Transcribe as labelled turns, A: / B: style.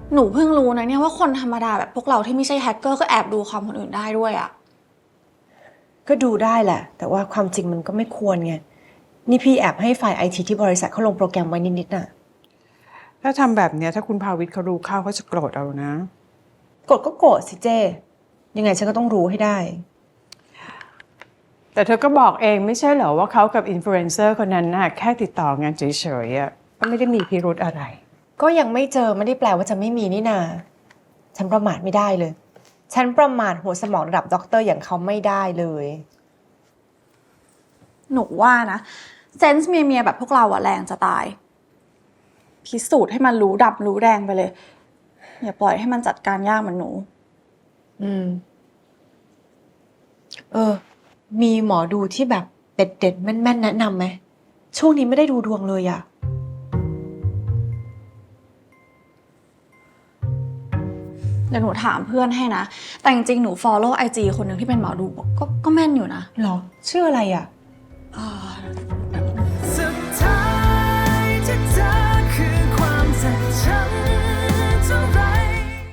A: หนูเพิ่งรู้นะเนี่ยว่าคนธรรมดาแบบพวกเราที่ไม่ใช่แฮกเกอร์ก็แอบดูความคนอื่นได้ด้วยอะ
B: ก็ดูได้แหละ แต่ว่าความจริงมันก็ไม่ควรไง นี่พี่แอบให้ฝ่ายไอทีที่บริษัทเขาลงโปรแกรมไว้นิดๆน่ะ
C: ถ้าทำแบบเนี้ยถ้าคุณภาวิทย์เขารู้เข้าเขาจะโกรธเอานะ
B: กดก็โกรธสิเจ ยังไงฉันก็ต้องรู้ให้ได้
C: แต่เธอก็บอกเองไม่ใช่เหรอว่าเขากับอินฟลูเอนเซอร์คนนั้นน่ะแค่ติดต่องานเฉยๆอ่ะก็ไม่ได้มีพิรุธอะไร
B: ก็ยังไม่เจอไม่ได้แปลว่าจะไม่มีนี่นา ฉันประมาทไม่ได้เลย ฉันประมาทหัวสมองระดับด็อกเตอร์อย่างเขาไม่ได้เลย
A: หนูว่านะเซนส์เมียแบบพวกเราอะแรงจะตาย พิสูจน์ให้มันรู้ดำรู้แดงไปเลย อย่าปล่อยให้มันจัดการยากเหมือนหนู
B: อืม มีหมอดูที่แบบเด็ดๆแม่นๆแนะนำไหม ช่วงนี้ไม่ได้ดูดวงเลยอะ
A: เดี๋ยวหนูถามเพื่อนให้นะ แต่จริงๆหนู follow IG คนหนึ่งที่เป็นหมอดูก็แม่นอยู่นะ
B: หรอ ชื่ออะไรอะ
A: เอ่อ